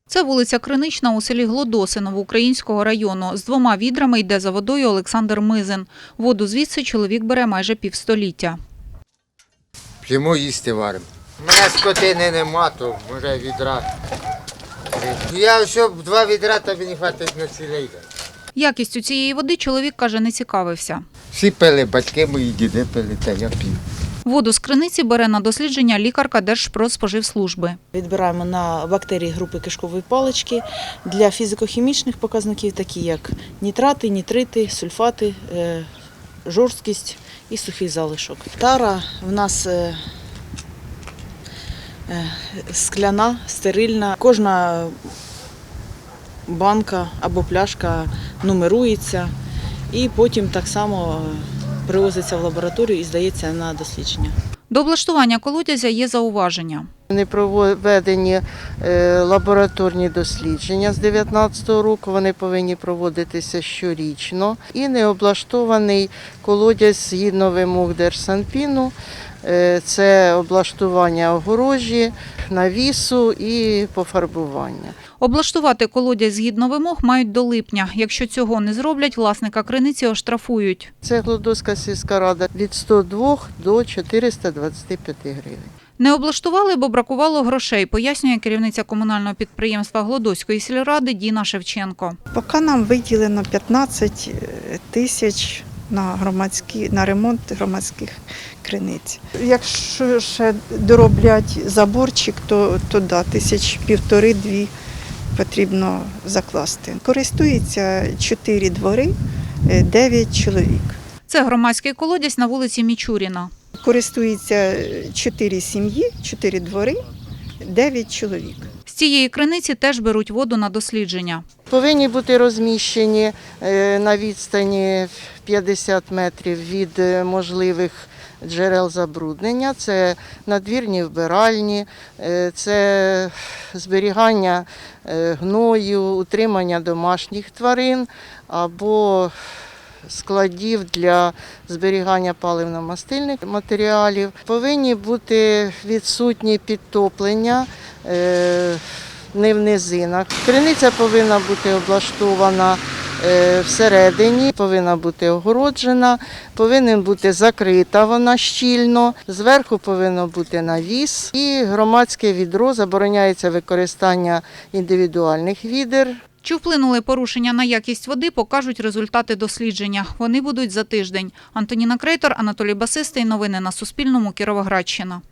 Це вулиця Кринична у селі Глодоси Новоукраїнського району. З 2 відрами йде за водою Олександр Мизин. Воду звідси чоловік бере майже півстоліття. П'ємо, їсти варимо. У мене скотини нема, то може відра. Я щоб 2 відра, то мені хватить на цілий день. Якістю цієї води чоловік, каже, не цікавився. Всі пили, батьки мої, діди пили, та я п'ю. Воду з криниці бере на дослідження лікарка Держпродспоживслужби. Відбираємо на бактерії групи кишкової палички для фізико-хімічних показників, такі як нітрати, нітрити, сульфати, жорсткість і сухий залишок. Тара в нас скляна, стерильна. Кожна банка або пляшка нумерується і потім так само привозиться в лабораторію і здається на дослідження. До облаштування колодязя є зауваження. Не проведені лабораторні дослідження з 2019 року, вони повинні проводитися щорічно. І не облаштований колодязь згідно вимог Держсанпіну. Це облаштування огорожі, навісу і пофарбування. Облаштувати колодязь згідно вимог мають до липня. Якщо цього не зроблять, власника криниці оштрафують. Це Глодоська сільська рада від 102 до 425 гривень. Не облаштували, бо бракувало грошей, пояснює керівниця комунального підприємства Глодоської сільради Діна Шевченко. Поки нам виділено 15 тисяч на ремонт громадських криниць. Якщо ще дороблять заборчик, то да, 1,5–2 потрібно закласти. Користується 4 двори, 9 чоловік. Це громадський колодязь на вулиці Мічуріна. Користується 4 сім'ї, 4 двори, 9 чоловік. З цієї криниці теж беруть воду на дослідження. Повинні бути розміщені на відстані 50 метрів від можливих джерел забруднення. Це надвірні вбиральні, це зберігання гною, утримання домашніх тварин або складів для зберігання паливно-мастильних матеріалів. Повинні бути відсутні підтоплення, не в низинах. Криниця повинна бути облаштована всередині, повинна бути огороджена, повинна бути закрита вона щільно, зверху повинно бути навіс і громадське відро, забороняється використання індивідуальних відер. Чи вплинули порушення на якість води, покажуть результати дослідження. Вони будуть за тиждень. Антоніна Крейтор, Анатолій Басистий. Новини на Суспільному. Кіровоградщина.